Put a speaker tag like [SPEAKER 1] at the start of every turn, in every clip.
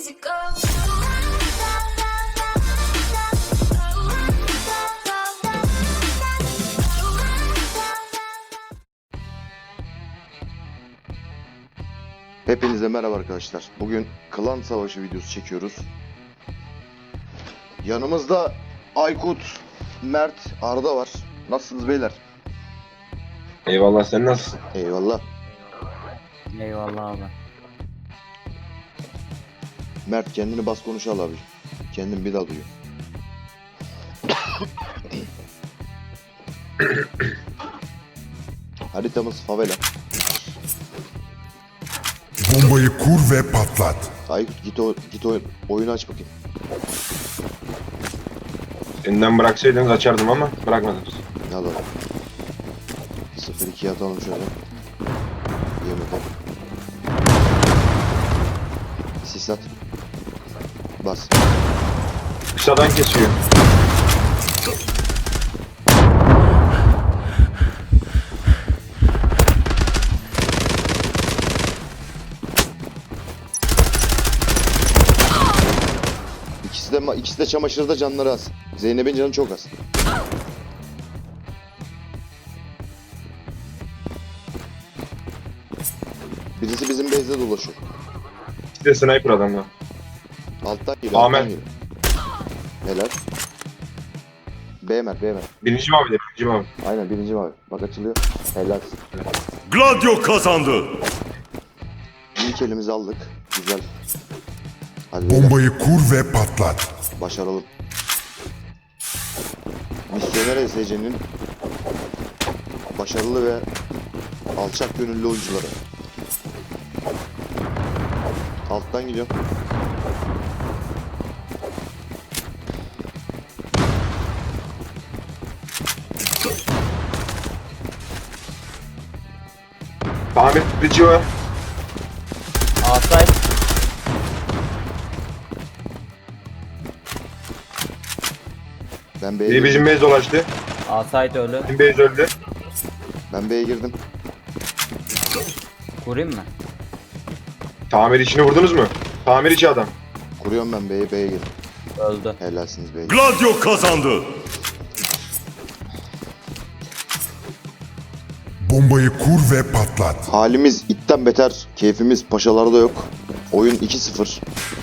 [SPEAKER 1] easy go.
[SPEAKER 2] Hepinize merhaba arkadaşlar. Bugün klan savaşı videosu çekiyoruz. Yanımızda Aykut, Mert, Arda var. Nasılsınız beyler?
[SPEAKER 3] Eyvallah, sen nasılsın?
[SPEAKER 2] Eyvallah.
[SPEAKER 4] Eyvallah abi.
[SPEAKER 2] Mert kendini bas konuş al abi. Kendin bir daha duyuyor. Haritamız favela.
[SPEAKER 5] Bombayı kur ve patlat.
[SPEAKER 2] Aykut git oyunu aç bakayım.
[SPEAKER 3] Elinden bıraksaydınız açardım ama bırakmadınız.
[SPEAKER 2] Al al. 0-2 atalım şöyle. Yemeden. Sis at. Bas.
[SPEAKER 3] Kısadan kesiyor.
[SPEAKER 2] İkisi de çamaşırda, canları az. Zeynep'in canı çok az. Birisi bizim base'de dolaşıyor.
[SPEAKER 3] Bir de sniper adamla.
[SPEAKER 2] Alttan geliyor.
[SPEAKER 3] Amen.
[SPEAKER 2] Alttan geliyor. Helal. BMR.
[SPEAKER 3] Birinci mavi de, birinci mavi.
[SPEAKER 2] Aynen birinci mavi. Bak açılıyor. Helal.
[SPEAKER 5] Gladio kazandı.
[SPEAKER 2] İlk elimizi aldık. Güzel. Hadi beyler.
[SPEAKER 5] Bombayı kur ve patlat.
[SPEAKER 2] Başaralım. Misyoner SC'nin başarılı ve alçak gönüllü oyuncuları. Alttan gidiyor.
[SPEAKER 3] Ahmet Bici var.
[SPEAKER 4] Asay
[SPEAKER 2] Ben B'ye
[SPEAKER 3] Biri
[SPEAKER 2] girdim.
[SPEAKER 3] bizim base dolaştı.
[SPEAKER 4] Asayt ölü.
[SPEAKER 3] Bizim base öldü.
[SPEAKER 2] Ben B'ye girdim.
[SPEAKER 4] Kurayım mı?
[SPEAKER 3] Tamir içini vurdunuz mu? Tamir içi adam.
[SPEAKER 2] Kuruyorum ben B'ye girdim.
[SPEAKER 4] Öldü.
[SPEAKER 2] Helalsiniz B'ye.
[SPEAKER 5] Gladio kazandı. Bombayı kur ve patlat.
[SPEAKER 2] Halimiz itten beter. Keyfimiz paşalarda yok. Oyun 2-0.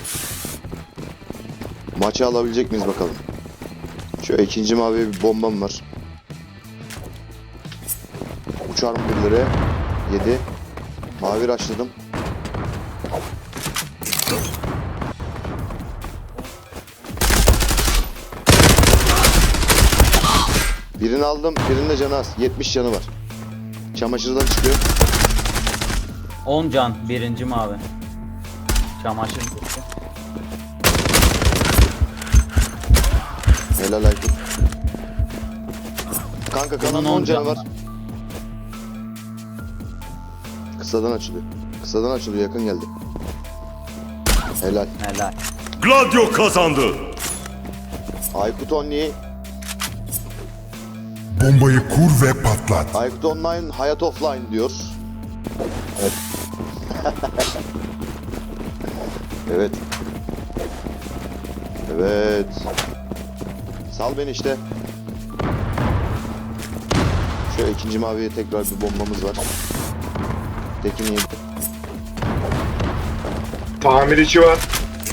[SPEAKER 2] Maçı alabilecek miyiz bakalım. Şu ikinci maviye bir bombam var. Uçar mı birileri? 7. Mavi raşladım. Birini aldım. Birinin de canı az. 70 canı var. Çamaşırdan çıkıyor.
[SPEAKER 4] 10 can birinci mavi. Çamaşır gitti.
[SPEAKER 2] Helal Aykut. Kanka kanalın
[SPEAKER 4] Bunun
[SPEAKER 2] 10 canı
[SPEAKER 4] canı
[SPEAKER 2] var.
[SPEAKER 4] var.
[SPEAKER 2] Kısadan açılıyor. Kısadan açılıyor, yakın geldi. Helal.
[SPEAKER 4] Helal.
[SPEAKER 5] Gladio kazandı.
[SPEAKER 2] Aykut Only.
[SPEAKER 5] Bombayı kur ve patlat.
[SPEAKER 2] Aykut Online hayat offline diyor.
[SPEAKER 3] Evet.
[SPEAKER 2] Evet. Evet. Sal beni işte. Şöyle ikinci maviye tekrar bir bombamız var. Tekin yedi.
[SPEAKER 3] Tamir içi var.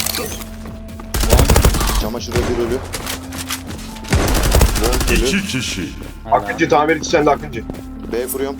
[SPEAKER 2] Çamaşırda bir ölü. Bol ölü.
[SPEAKER 5] 2 kişi.
[SPEAKER 4] Helal.
[SPEAKER 3] Akıncı tamir içi sende Akıncı.
[SPEAKER 2] B kuruyorum.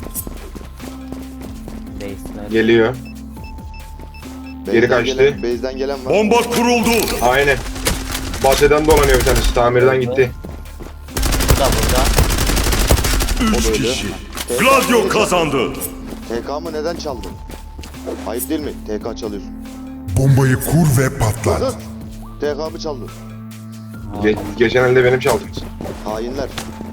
[SPEAKER 4] Base'ler.
[SPEAKER 3] Geliyor. Geri kaçtı.
[SPEAKER 2] Base'den gelen var.
[SPEAKER 5] Bomba kuruldu.
[SPEAKER 3] Aynen. Bahçeden dolanıyor bir tanesi. Tamirden gitti.
[SPEAKER 4] Bu da burada.
[SPEAKER 5] 3
[SPEAKER 2] O da öyle.
[SPEAKER 5] kişi. Gladio kazandı.
[SPEAKER 2] TK'mı neden çaldın? Ayıp değil mi? TK çalıyorsun.
[SPEAKER 5] Bombayı kur ve patlat.
[SPEAKER 2] Zıt! TK'mı çaldın.
[SPEAKER 3] Geçen elde benim çaldınız.
[SPEAKER 2] Hainler.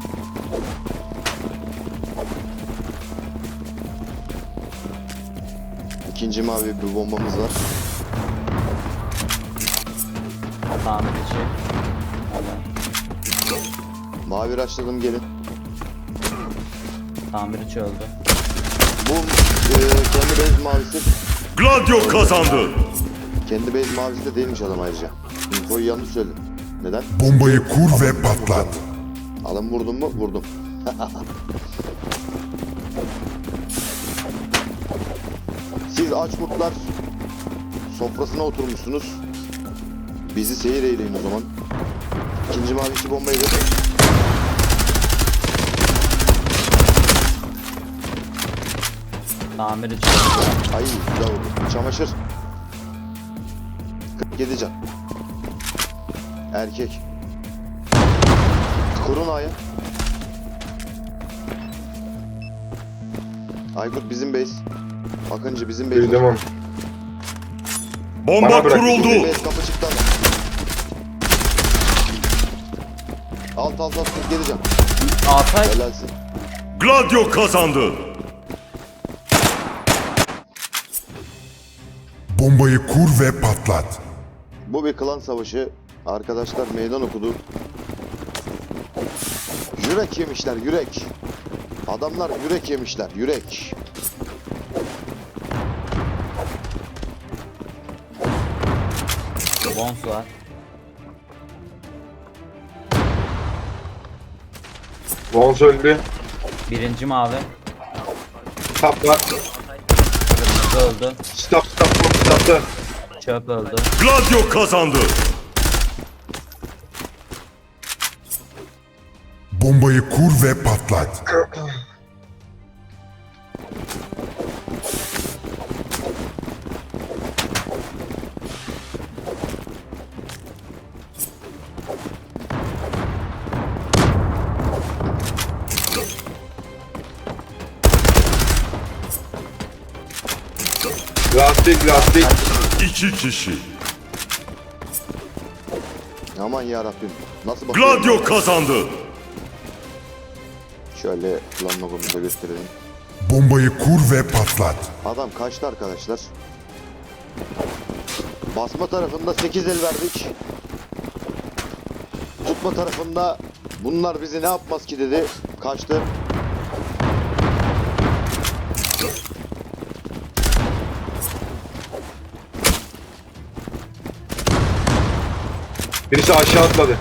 [SPEAKER 2] İkinci mavi bir bombamız var.
[SPEAKER 4] Tamir içi. Helal.
[SPEAKER 2] Mavi raşladım, gelin.
[SPEAKER 4] Tamir içi öldü.
[SPEAKER 2] Bu kendi bez mavisi.
[SPEAKER 5] Gladio kazandı.
[SPEAKER 2] Kendi base mavisi de değilmiş adam ayrıca. Infoyu yanlış söyledim. Neden?
[SPEAKER 5] Bombayı kur ve patlat.
[SPEAKER 2] Adam vurdum mu? Vurdum. Siz aç kurtlar sofrasına oturmuşsunuz. Bizi seyir eyleyin o zaman. İkinci mavisi bombayı da.
[SPEAKER 4] Tamirci.
[SPEAKER 2] Ay güzel vurdu. Çamaşır. 47 can. Erkek. Kurun aya. Aykut bizim base. Akıncı bizim base.
[SPEAKER 3] Duydum onu.
[SPEAKER 5] Bomba
[SPEAKER 3] Bana bırak.
[SPEAKER 5] kuruldu.
[SPEAKER 2] Bizim base kapı çıktı adam. Alt 47 can.
[SPEAKER 4] Altay.
[SPEAKER 2] Helalsin.
[SPEAKER 5] Gladio kazandı. Bombayı kur ve patlat.
[SPEAKER 2] Bu bir klan savaşı. Arkadaşlar meydan okudu. Yürek yemişler, yürek. Adamlar yürek yemişler, yürek.
[SPEAKER 4] Bons var.
[SPEAKER 3] Vons öldü.
[SPEAKER 4] Birinci mavi.
[SPEAKER 3] Stop var.
[SPEAKER 4] Kırmızı öldü.
[SPEAKER 3] Stop.
[SPEAKER 4] Çöp öldü.
[SPEAKER 5] Gladio kazandı. Bombayı kur ve patlat.
[SPEAKER 3] Lastik.
[SPEAKER 5] 2 kişi.
[SPEAKER 2] Aman yarabbim. Nasıl bakıyorum?
[SPEAKER 5] Gladio kazandı.
[SPEAKER 2] Şöyle klan logomuzu da gösterelim.
[SPEAKER 5] Bombayı kur ve patlat.
[SPEAKER 2] Adam kaçtı arkadaşlar. Basma tarafında 8 el verdik. Tutma tarafında bunlar bizi ne yapmaz ki dedi. Kaçtı.
[SPEAKER 3] Birisi aşağı atladı.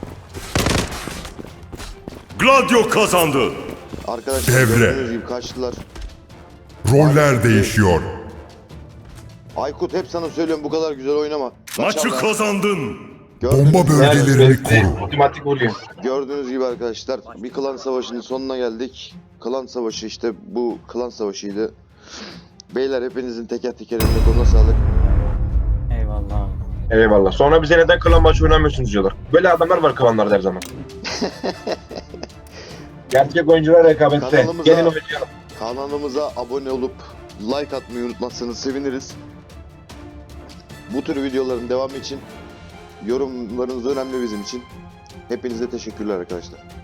[SPEAKER 5] Gladio kazandı.
[SPEAKER 2] Arkadaşlar
[SPEAKER 5] Devre.
[SPEAKER 2] gördüğünüz gibi kaçtılar.
[SPEAKER 5] Roller değişiyor.
[SPEAKER 2] Aykut hep sana söylüyorum bu kadar güzel oynama.
[SPEAKER 5] Maçı
[SPEAKER 2] Kaçarlar.
[SPEAKER 5] kazandın.
[SPEAKER 2] Gördüğünüz
[SPEAKER 5] Bomba
[SPEAKER 2] gibi-
[SPEAKER 5] bölgelerini koru.
[SPEAKER 3] Otomatik vuruyor.
[SPEAKER 2] Gördüğünüz gibi arkadaşlar bir klan savaşının sonuna geldik. Klan savaşı işte bu klan savaşıydı. Beyler hepinizin teker teker eline koluna sağlık.
[SPEAKER 4] Eyvallah abi.
[SPEAKER 3] Eyvallah. Sonra bize neden klan maçı oynamıyorsunuz diyorlar. Böyle adamlar var klanlarda her zaman. Gerçek oyuncular rekabette.
[SPEAKER 2] Kanalımıza-
[SPEAKER 3] Gelin oynayalım.
[SPEAKER 2] Kanalımıza abone olup like atmayı unutmazsanız seviniriz. Bu tür videoların devamı için yorumlarınız önemli bizim için. Hepinize teşekkürler arkadaşlar.